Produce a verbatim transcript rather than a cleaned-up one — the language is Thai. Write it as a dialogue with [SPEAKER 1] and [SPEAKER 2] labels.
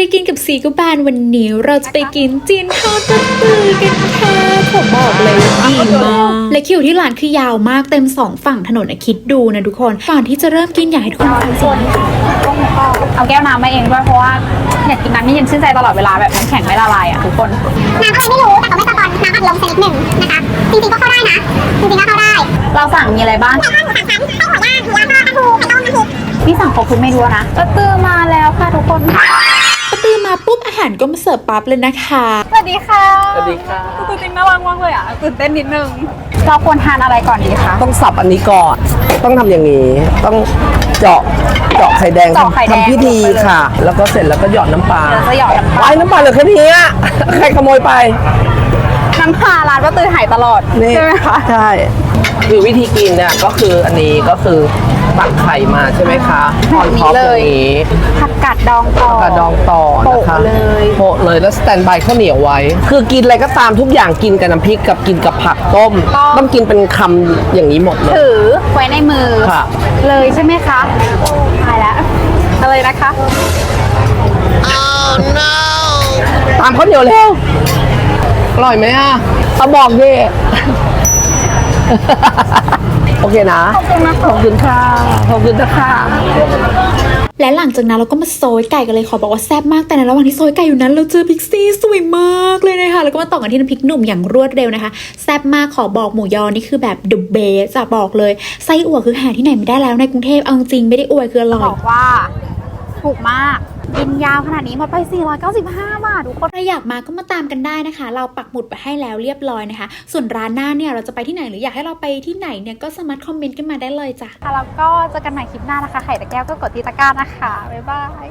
[SPEAKER 1] กินกับซีกูบานวันนี้เราจะไปกินจีนทอดปลาตือกันค่ะผมบอกเลยว่าดีมากและคิวที่ร้านคือยาวมากเต็มสองฝั่งถนนอะคิดดูนะทุกคนก่อนที่จะเริ่มกินอยากให้ทุกคนฟังเสียง
[SPEAKER 2] เอาแก้วน้ำมาเองด้วยเพราะว่าอยากกินน้ำที่เย็นชื่นใจตลอดเวลาแบบน้ำแข็งไม่ละลายอ่ะทุกคน
[SPEAKER 3] น้ำอะไรไม่รู้แต่เขาไม่สปอนน้ำอัดลมชนิดหนึ่งนะคะจริงๆก็เข้าได้นะจริงๆก็เข้าได้
[SPEAKER 2] เราสั่งมีอะไรบ้าง
[SPEAKER 3] ไก่ทอดหมูสามชั้นไส้หัวย่างหมูย่างทอดปลาทูไข่ต้มน้ำพริก
[SPEAKER 2] พี่สั่งครบทุกเมนูนะปลาตือมาแล้วค่ะทุกคน
[SPEAKER 1] ปาตือมาปุ๊บอาหารก็มาเสิร์ฟปั๊บเลยนะคะ
[SPEAKER 2] สวัสดีค่ะ
[SPEAKER 4] สวัสดีค่ะ
[SPEAKER 2] ตัวจริงน่ารักมากเลยอ่ะตื่นเต้นนิดนึงเราควรทานอะไรก่อนดีคะ
[SPEAKER 4] ต้องสับอันนี้ก่อน ต้องทำอย่างนี้ ต้องเจาะ เจาะไข่แดง
[SPEAKER 2] เจาะไข่แดง
[SPEAKER 4] ทำพิธีค่ะ แล้วก็เสร็จแล้วก็หยอดน้ำปลา
[SPEAKER 2] เดี๋ยวจะหยอดน้ำปลา
[SPEAKER 4] ไว้น้ำปลาเหลือแค่นี้อะใครขโมยไป
[SPEAKER 2] น้ำปลาร้านปลาตือหายตลอด
[SPEAKER 4] นี่
[SPEAKER 2] ใช่ไหมคะ
[SPEAKER 4] ใช่คือวิธีกินเนี่ยก็คืออันนี้ก็คือตักไข่มาใช่ไหมคะออนท็อปอย่างนี้
[SPEAKER 2] ผักกาดดองต่อก
[SPEAKER 4] ระดองต่อนะคะ
[SPEAKER 2] โปะเลย
[SPEAKER 4] โปะเลยแล้วสแตนบายข้าวเหนียวไว้ คือกินอะไรก็ตามทุกอย่างกินกับน้ำพริกกับกินกับผักต้ม ต้องกินเป็นคำอย่างนี้หมดเลย
[SPEAKER 2] ถือไว้ในมือ
[SPEAKER 4] ค่ะ
[SPEAKER 2] เลยใช่ไหมคะตายแล้วอะไรนะคะ
[SPEAKER 4] ตามข้าวเหนียวเร็วอร่อยไหมอ่ะเอาบอกดิ โอเคนะ ขอบคุณนะขอบคุณค่ะ ขอบคุณนะคะ
[SPEAKER 1] และหลังจากนั้นเราก็มาโซยไก่กันเลยขอบอกว่าแซ่บมากแต่ในระหว่างที่โซยไก่อยู่นั้นเราเจอพิกซี่สวยมากเลยนะคะแล้วก็มาต่อกันที่น้ำพริกหนุ่มอย่างรวดเร็วนะคะแซ่บมากขอบอกหมูยอนี่คือแบบ the best จะบอกเลยไส้อั่วคือหาที่ไหนไม่ได้แล้วในกรุงเทพเอาจริงไม่ได้อวยคืออร่อย
[SPEAKER 2] บอกว่าถูกมากกินยาวขนาดนี้หมดไปสี่ร้อยเก้าสิบห้าบาททุกคน
[SPEAKER 1] ใครอยากมาก็มาตามกันได้นะคะ เราปักหมุดไปให้แล้วเรียบร้อยนะคะ ส่วนร้านหน้าเนี่ยเราจะไปที่ไหนหรืออยากให้เราไปที่ไหนเนี่ยก็สามารถคอมเมนต์กันมาได้เลยจ้ะ
[SPEAKER 2] ค่ะแล้วก็เจอกันใหม่คลิปหน้านะคะไข่ตะแก้วก็กดที่ตะกร้านะคะ บ๊ายบาย